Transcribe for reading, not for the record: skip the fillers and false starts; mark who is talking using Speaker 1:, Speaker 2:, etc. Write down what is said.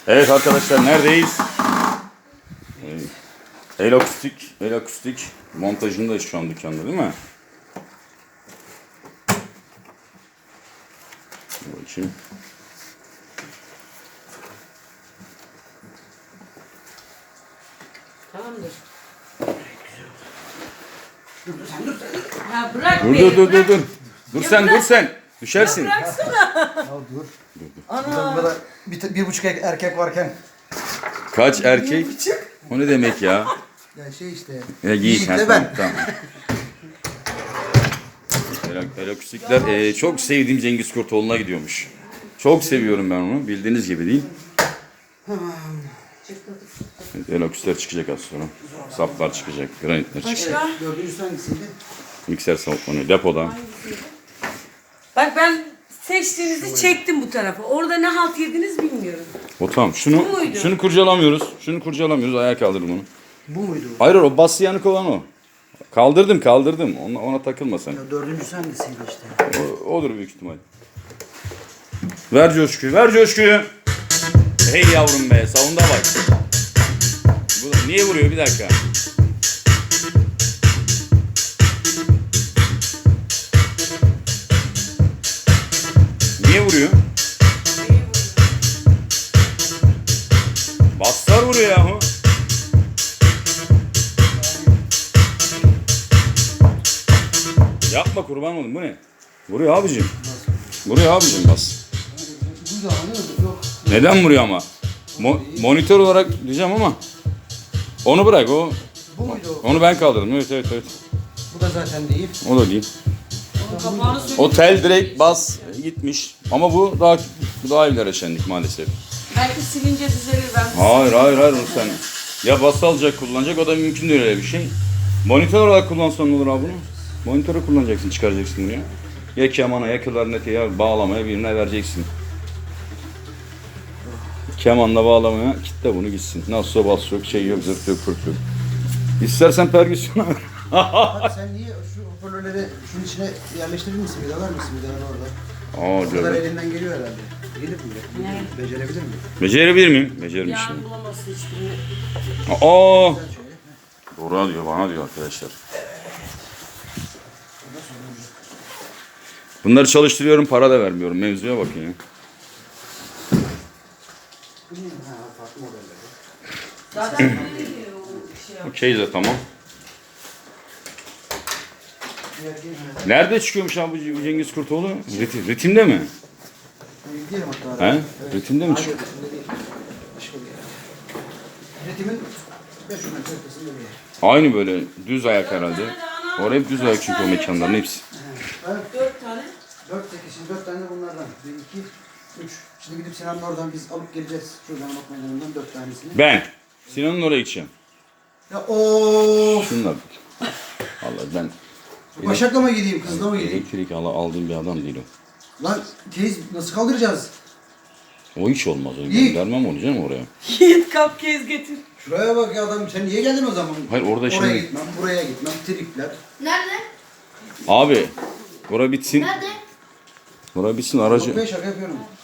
Speaker 1: Evet arkadaşlar neredeyiz? El akustik montajındayız şu an dükkanda değil mi? Bakayım.
Speaker 2: Tamamdır. Dur sen dur. Ha bırak
Speaker 1: Dur
Speaker 2: beni.
Speaker 1: dur dur dur dur. Dur
Speaker 2: Ya
Speaker 1: sen
Speaker 2: bırak.
Speaker 1: dur sen. Düşersin.
Speaker 2: Bıraksana.
Speaker 3: Ya dur.
Speaker 2: Ana.
Speaker 3: Burada bir buçuk erkek varken.
Speaker 1: Kaç erkek? O ne demek ya?
Speaker 3: Ya şey işte.
Speaker 1: Ya Yiğit. Ha,
Speaker 3: de ben.
Speaker 1: tamam. El akustikler çok sevdiğim Cengiz Kurtoğlu'na gidiyormuş. Çok seviyorum ben onu. Bildiğiniz gibi değil. Evet, el akustikler çıkacak az sonra. Saplar çıkacak. Granitler çıkacak.
Speaker 2: Başka?
Speaker 3: Dördüncüsü hangisiydi?
Speaker 1: Mikser salonları depoda.
Speaker 2: Bak ben seçtiğinizi çektim bu tarafa. Orada ne halt yediniz bilmiyorum.
Speaker 1: O tamam.
Speaker 2: Bu muydu?
Speaker 1: Şunu kurcalamıyoruz. Şunu kurcalamıyoruz. Ayağa kaldırdım onu.
Speaker 3: Bu muydu?
Speaker 1: Hayır o bası yanık olan o. Kaldırdım. Ona takılma sen.
Speaker 3: Ya dördüncüsü hangisiydi işte?
Speaker 1: Odur büyük ihtimal. Ver coşkuyu. Hey yavrum be, savunda bak. Bu niye vuruyor bir dakika? Niye vuruyor? Baslar vuruyor yahu. Yapma kurban olayım, bu ne? Vuruyor abicim bas.
Speaker 3: Bu da hani yok.
Speaker 1: Neden vuruyor ama? Monitör olarak diyeceğim ama onu bırak o.
Speaker 3: Bu muydu?
Speaker 1: Onu ben kaldırdım. Evet.
Speaker 3: Bu da zaten değil.
Speaker 1: O da değil.
Speaker 2: Onun kapağını söyle.
Speaker 1: O tel direkt bas gitmiş. Ama bu daha ileri şenlik maalesef.
Speaker 2: Belki silince düzelir ben.
Speaker 1: Hayır onu sen. Ya bas alacak kullanacak, o da mümkün değil öyle bir şey. Monitör olarak kullansan ne olur abi bunu? Monitörü kullanacaksın, çıkaracaksın buraya. Ya kemana ya klarnete ya bağlamaya birine vereceksin. Kemanla bağlamaya kitle bunu gitsin. Nasılsa bas yok, şey yok, zırt yok, pırt yok. İstersen pergüsyona ver.
Speaker 3: Abi sen niye şu hoparlörleri şunun içine yerleştirir misin? Vidalar mısın? Vidalar orada. O kadar elinden geliyor herhalde. Gelir mi?
Speaker 2: Ne?
Speaker 3: Becerebilir mi?
Speaker 1: Becerebilir miyim? Becerim
Speaker 2: Yani
Speaker 1: şimdi.
Speaker 2: bulamazsın hiçbirini.
Speaker 1: Aa!
Speaker 3: Güzel şöyle.
Speaker 1: Doğru diyor, bana diyor arkadaşlar. Bunları çalıştırıyorum, para da vermiyorum. Mevzuya bakın ya.
Speaker 3: Ha, farklı modeller.
Speaker 2: Zaten böyle şey yap.
Speaker 1: Okey de tamam. Nerede çıkıyormuş abi bu Cengiz Kurtoğlu? Ritimde mi?
Speaker 3: Gidelim hatta.
Speaker 1: He?
Speaker 3: Evet.
Speaker 1: Ritimde mi
Speaker 3: Hayır,
Speaker 1: çıkıyor?
Speaker 3: ritimde değil. Başka bir yer. Ritimin 500 metre ötesinde bir yer.
Speaker 1: Aynı böyle düz ayak herhalde. Orada hep düz ayak çünkü o mekanların hepsi.
Speaker 3: Evet.
Speaker 2: 4 tane.
Speaker 3: 4 tane de bunlardan. 1, 2, 3. Şimdi gidip Sinan'ın oradan biz alıp geleceğiz. Şuradan bak meydanından 4 tanesini.
Speaker 1: Ben Sinan'ın oraya gideceğim.
Speaker 3: Ya of!
Speaker 1: Şunlar. Vallahi ben
Speaker 3: Başak'la mı gideyim, kızla mı gideyim?
Speaker 1: elektrik aldığım bir adam değil o.
Speaker 3: Lan teyze nasıl kaldıracağız?
Speaker 1: O hiç olmaz. O
Speaker 3: İyi.
Speaker 1: göndermem onu canım oraya.
Speaker 2: Yiğit cupcake getir.
Speaker 3: Şuraya bak ya adam, sen niye geldin o zaman?
Speaker 1: Hayır, orada
Speaker 3: Oraya
Speaker 1: şimdi-
Speaker 3: gitmem, buraya gitmem, tripler.
Speaker 4: Nerede?
Speaker 1: Abi bura bitsin.
Speaker 4: Nerede?
Speaker 1: Bura bitsin
Speaker 3: Yok
Speaker 1: aracı.
Speaker 3: be, şaka yapıyorum.